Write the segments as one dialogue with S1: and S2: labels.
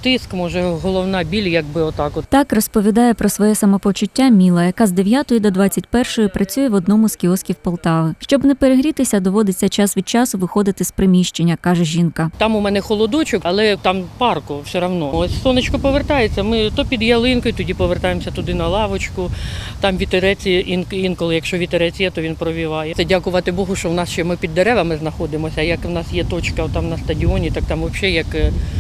S1: тиск, може головна біль, якби отак от.
S2: Так розповідає про своє самопочуття Міла, яка з 9 до 21 працює в одному з кіосків Полтави. Щоб не перегрітися, доводиться час від часу виходити з приміщення, каже жінка.
S1: Там у мене холодочок, але там парку все одно. Ось сонечко повертається, ми то під ялинкою, тоді повертаємося туди на лавочку. Там вітерець, інколи, якщо вітерець є, то він провіває. Це дякувати Богу, що в нас ще ми під деревами знаходимося. Як в нас є точка там на стадіоні, так там взагалі як,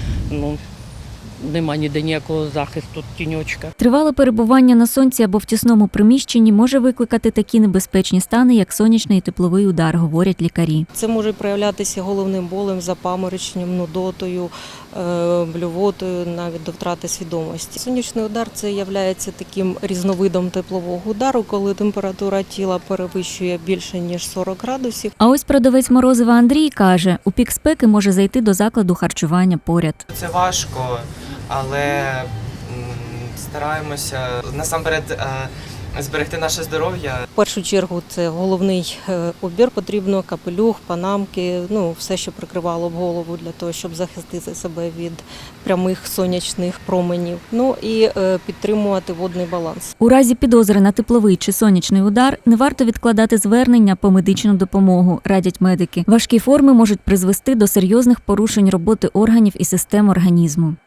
S1: нема ніде ніякого захисту, тіньочка.
S2: Тривале перебування на сонці або в тісному приміщенні може викликати такі небезпечні стани, як сонячний і тепловий удар, говорять лікарі.
S3: Це може проявлятися головним болем, запамороченням, нудотою, блювотою, навіть до втрати свідомості. Сонячний удар – це є таким різновидом теплового удару, коли температура тіла перевищує більше, ніж 40 градусів.
S2: А ось продавець морозива Андрій каже, у пік спеки може зайти до закладу харчування поряд.
S4: Це важко, але стараємося насамперед зберегти наше здоров'я.
S3: В першу чергу це головний убір, потрібно капелюх, панамки, все, що прикривало б голову для того, щоб захистити себе від прямих сонячних променів. І підтримувати водний баланс.
S2: У разі підозри на тепловий чи сонячний удар не варто відкладати звернення по медичну допомогу, радять медики. Важкі форми можуть призвести до серйозних порушень роботи органів і систем організму.